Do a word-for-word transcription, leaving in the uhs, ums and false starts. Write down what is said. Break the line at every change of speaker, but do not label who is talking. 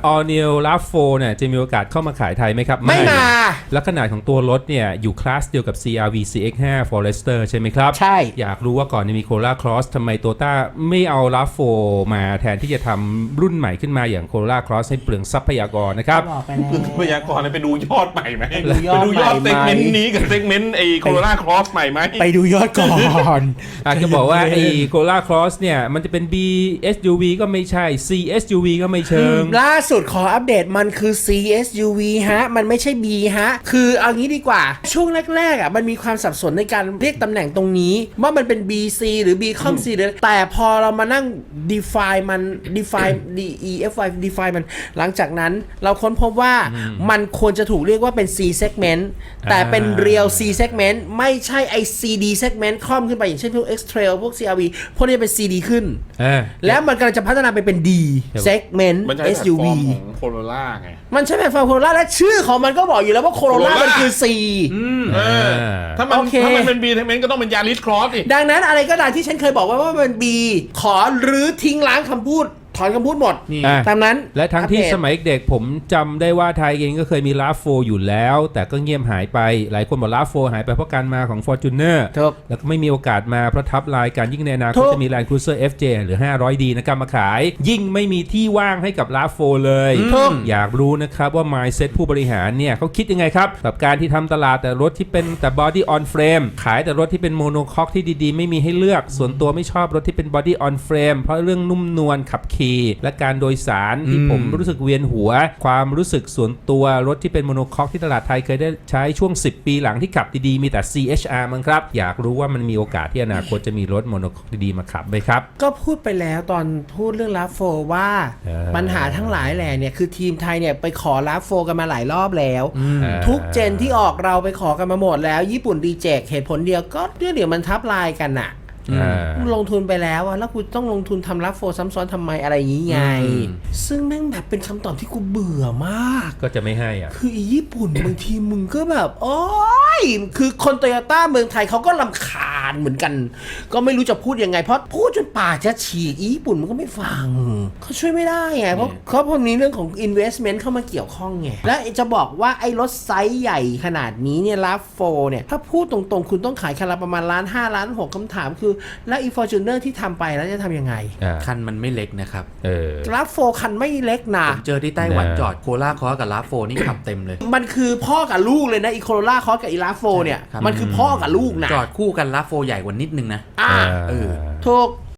All New ราฟ โฟร์ เนี่ยจะมีโอกาสเข้ามาขายไทยไหมครับ
ไม่มา
และขนาดของตัวรถเนี่ยอยู่คลาสเดียวกับ ซี อาร์ วี ซี เอ็กซ์ ไฟว์ Forester ใช่ไหมครับ
ใช่
อยากรู้ว่าก่อนจะมี Corolla Cross ทำไม Toyota ไม่เอา ราฟ โฟร์ มาแทนที่จะทำรุ่นใหม่ขึ้นมาอย่าง Corolla Cross ให้เปลืองทรัพยากรนะครับ
บอกไปแล้ว
ทรัพยากรไปดูยอดใหม่ไหมไป
ดูยอด
ดูยอด
ใหม่
เซกเมนต์นี้กับเซกเมนต์ไอ้ Corolla Cross ใหม่ไหม
ไปดูยอดก่อน
อาจจะบอกว่าไอ้ Corolla Cross เนี่ยมันจะเป็น B เอส ยู วี ก็ไม่ใช่ C เอส ยู วี ก็ไม่เชิง
ล่าสุดขออัปเดตมันคือ ซี เอส ยู วี ฮะมันไม่ใช่ B ฮะคือเอางี้ดีกว่าช่วงแรกๆอ่ะมันมีความสับสนในการเรียกตำแหน่งตรงนี้ว่ามันเป็น บี ซี หรือ B คอม C หรือแต่พอเรามานั่ง define มัน define D E F I define มันหลังจากนั้นเราค้นพบว่ามันควรจะถูกเรียกว่าเป็น C segment แต่เป็น real C segment ไม่ใช่ไอ ซี ดี segment คล่อมขึ้นไปอย่างเช่นพวก X-Trail พวก ซี อาร์ วี พวกนี้เป็น ซี ดี ขึ้นแล้วมันกำลังจะพัฒนาไปเป็น D segment
มันใช้
เอส ยู วี
แพลตฟอร์มของ Corolla ไง
มันใช่แพลตฟอร์ม Corolla และชื่อของมันก็บอกอยู่แล้วว่า Corolla มันคือ C
เออถ้ามัน
โอเค
ถ้ามันเป็น B segment ก็ต้องเป็น Yaris Cross ดิ
ดังนั้นอะไรก็ตามที่ฉันเคยบอกไว้ว่ามัน B ขอรื้อทิ้งล้างคำพูดถอนคำพูดหมดตามนั้น
และทั้งที่สมัยเด็กผมจำได้ว่าไทยเองก็เคยมี ราฟ โฟร์ อยู่แล้วแต่ก็เงียบหายไปหลายคนบอก ราฟ โฟร์ หายไปเพราะการมาของ Fortuner แล้วก็ไม่มีโอกาสมาเพราะทับลายการยิ่งในอนาคตจะมี Land Cruiser เอฟ เจ หรือ ห้าร้อยดี นะครับมาขายยิ่งไม่มีที่ว่างให้กับ ราฟ โฟร์ เลยอยากรู้นะครับว่า mindset ผู้บริหารเนี่ยเขาคิดยังไงครับกับการที่ทำตลาดแต่รถที่เป็นแต่ body on frame ขายแต่รถที่เป็น monocoque ที่ดีๆไม่มีให้เลือกส่วนตัวไม่ชอบรถที่เป็น body on frame เพราะเรื่องนุ่มนวลขับขี่และการโดยสารที่ผมรู้สึกเวียนหัวความรู้สึกส่วนตัวรถที่เป็นโมโนคอกที่ตลาดไทยเคยได้ใช้ช่วงสิบปีหลังที่ขับดีๆมีแต่ ซี เอช อาร์ มั้งครับอยากรู้ว่ามันมีโอกาสที่อนาคตจะมีรถโมโนคอกดีๆมาขับไหมครับ
ก็พูดไปแล้วตอนพูดเรื่อง ราฟ โฟร์ ว่าปัญหาทั้งหลายแหล่เนี่ยคือทีมไทยเนี่ยไปขอ ราฟ โฟร์ กันมาหลายรอบแล้วทุกเจนที่ออกเราไปขอกันมาหมดแล้วญี่ปุ่นรีเจคเหตุผลเดียวก็เดี๋ยวมันทับลายกันน่ะลงทุนไปแล้วอะแล้วกูต้องลงทุนทำ ราฟ โฟร์ ซ้ำซ้อนทำไมอะไรอย่างงี้ไงซึ่งแม่งแบบเป็นคำตอบที่กูเบื่อมาก
ก็จะไม่ให้อ่ะ
คืออีญี่ปุ่น บางทีมึงก็แบบโอ๊ยคือคนโตโยต้าเมืองไทยเขาก็รำคาญเหมือนกันก็ไม่รู้จะพูดยังไงเพราะพูดจนปากจะฉีกอีญี่ปุ่นมันก็ไม่ฟังเขาช่วยไม่ได้ไงเพราะเขาพอมีเรื่องของ investment เข้ามาเกี่ยวข้องไงและจะบอกว่าไอ้รถไซส์ใหญ่ขนาดนี้เนี่ย ราฟ โฟร์ เนี่ยถ้าพูดตรงๆคุณต้องขายคันละประมาณล้านห้าล้านหกคำถามคือแล้วอี Fortuner ที่ทำไปแล้วจะทำยังไง
คันมันไม่เล็กนะครับ
เออ
ราฟ โฟร์ คันไม่เล็กนะ
ผมเจอที่ไต้หวันจอดโคราคอกับ ราฟ โฟร์ นี่ขับเต็มเลย
มันคือพ่อกับลูกเลยนะอีโคโรล่าคอสกับอี ราฟ โฟร์ เนี่ยมันคือพ่อกับลูกนะ
จอดคู่กัน ราฟ โฟร์ ใหญ่กว่านิดนึงนะ
อ่าเออถูก